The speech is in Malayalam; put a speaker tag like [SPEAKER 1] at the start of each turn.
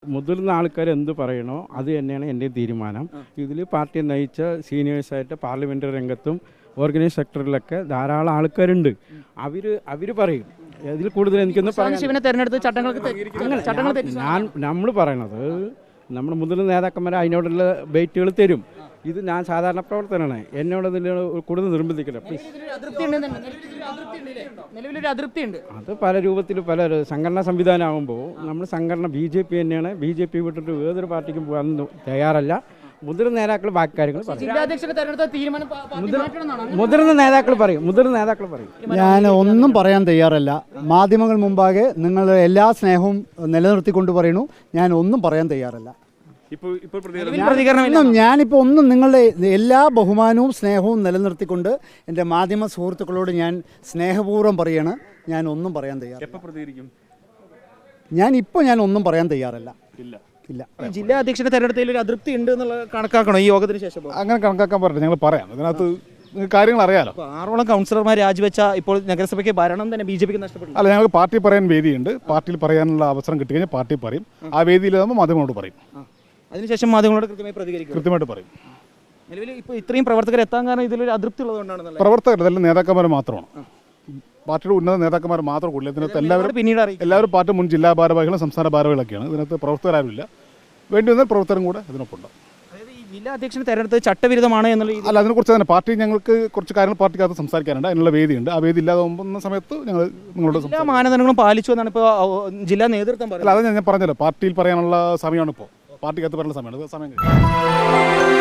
[SPEAKER 1] മുതിർന്ന ആൾക്കാർ എന്ത് പറയണോ അത് തന്നെയാണ് എൻ്റെ തീരുമാനം. ഇതിൽ പാർട്ടി നയിച്ച സീനിയേഴ്സായിട്ട് പാർലമെൻ്ററി രംഗത്തും ഓർഗനൈസ് സെക്ടറിലൊക്കെ ധാരാളം ആൾക്കാരുണ്ട്. അവർ പറയും. ഇതിൽ കൂടുതൽ എനിക്കൊന്ന് നമ്മൾ പറയണത് നമ്മുടെ മുതിർന്ന നേതാക്കന്മാർ അതിനോടുള്ള ബൈറ്റുകൾ തരും. ഇത് ഞാൻ സാധാരണ പ്രവർത്തനമാണ്, എന്നോട് കൂടുതൽ നിർബന്ധിക്കില്ല. അത് പല രൂപത്തിൽ പല സംഘടനാ സംവിധാനമാകുമ്പോൾ നമ്മൾ സംഘടന BJP തന്നെയാണ്. BJP വിട്ടിട്ട് ഏതൊരു പാർട്ടിക്കും പോകാൻ തയ്യാറല്ല. മുതിർന്ന നേതാക്കൾ ബാക്കി കാര്യങ്ങൾ പറയും. മുതിർന്ന നേതാക്കൾ പറയും.
[SPEAKER 2] ഞാൻ ഒന്നും പറയാൻ തയ്യാറല്ല. മാധ്യമങ്ങൾ മുമ്പാകെ നിങ്ങളുടെ എല്ലാ സ്നേഹവും നിലനിർത്തിക്കൊണ്ട് പറയുന്നു, ഞാൻ ഒന്നും പറയാൻ തയ്യാറല്ല. ഞാനിപ്പോൾ ഒന്നും നിങ്ങളുടെ എല്ലാ ബഹുമാനവും സ്നേഹവും നിലനിർത്തിക്കൊണ്ട് എൻ്റെ മാധ്യമ സുഹൃത്തുക്കളോട് ഞാൻ സ്നേഹപൂർവ്വം പറയാണ്, ഞാൻ ഒന്നും പറയാൻ തയ്യാറല്ല. ഞാൻ ഒന്നും പറയാൻ തയ്യാറല്ല. ഇല്ല.
[SPEAKER 3] ജില്ലാ അധ്യക്ഷന്റെ തെരഞ്ഞെടുപ്പിൽ ഒരു അതൃപ്തി ഉണ്ട് എന്നുള്ളത് കണക്കാക്കണോ ഈ യോഗത്തിന് ശേഷം?
[SPEAKER 4] അങ്ങനെ കണക്കാക്കാൻ പറ്റില്ല, ഞങ്ങൾ പറയാം. അതിനകത്ത് കാര്യങ്ങൾ അറിയാലോ.
[SPEAKER 3] 6ഓളം കൗൺസിലർമാർ രാജിവെച്ച ഇപ്പോൾ നഗരസഭയ്ക്ക് ഭരണം തന്നെ BJP നഷ്ടപ്പെട്ടു.
[SPEAKER 4] അല്ല, ഞങ്ങൾക്ക് പാർട്ടി പറയാൻ വേദിയുണ്ട്. പാർട്ടിയിൽ പറയാനുള്ള അവസരം കിട്ടിക്കഴിഞ്ഞാൽ പാർട്ടി പറയും. ആ വേദിയിലാകുമ്പോൾ മാധ്യമങ്ങളോട് പറയും.
[SPEAKER 3] അതിനുശേഷം മാധ്യമങ്ങളോട് കൃത്യമായിട്ട് പറയും. നിലവിൽ ഇപ്പോൾ ഇത്രയും പ്രവർത്തകർ എത്താൻ കാരണം ഇതിലൊരു അതൃപ്തി ഉള്ളതുകൊണ്ടാണ്.
[SPEAKER 4] പ്രവർത്തകർ ഇതെല്ലാം നേതാക്കന്മാർ മാത്രമാണ്, പാർട്ടിയുടെ ഉന്നത നേതാക്കന്മാർ മാത്രം കൂടുതൽ. ഇതിനകത്ത് എല്ലാവരും പാർട്ടി മുൻ ജില്ലാ ഭാരവാഹികളും സംസ്ഥാന ഭാരവാഹികളൊക്കെയാണ്. ഇതിനകത്ത് പ്രവർത്തകരാവില്ല. വേണ്ടി വന്നാൽ പ്രവർത്തകരും കൂടെ ഇതിനൊപ്പം.
[SPEAKER 3] ജില്ലാ അധ്യക്ഷനെ തെരഞ്ഞെടുത്ത് ചട്ടവിരുദ്ധമാണ് എന്നുള്ള
[SPEAKER 4] അല്ല, അതിനെക്കുറിച്ച് തന്നെ പാർട്ടി ഞങ്ങൾക്ക് കുറച്ച് കാര്യങ്ങൾ പാർട്ടിക്കകത്ത് സംസാരിക്കാനുണ്ട്. അതിനുള്ള വേദിയുണ്ട്. ആ വേദി ഇല്ലാതാകുന്ന സമയത്ത് ഞങ്ങൾ നിങ്ങളോട്
[SPEAKER 3] എല്ലാ മാനദണ്ഡങ്ങളും പാലിച്ചു എന്നാണ് ഇപ്പോൾ ജില്ലാ നേതൃത്വം പറയുന്നത്.
[SPEAKER 4] അല്ല, അത് ഞാൻ പറഞ്ഞല്ലോ, പാർട്ടിയിൽ പറയാനുള്ള സമയമാണ് ഇപ്പോൾ. പാർട്ടിക്കകത്ത് പറയുന്ന സമയമാണ്. സമയം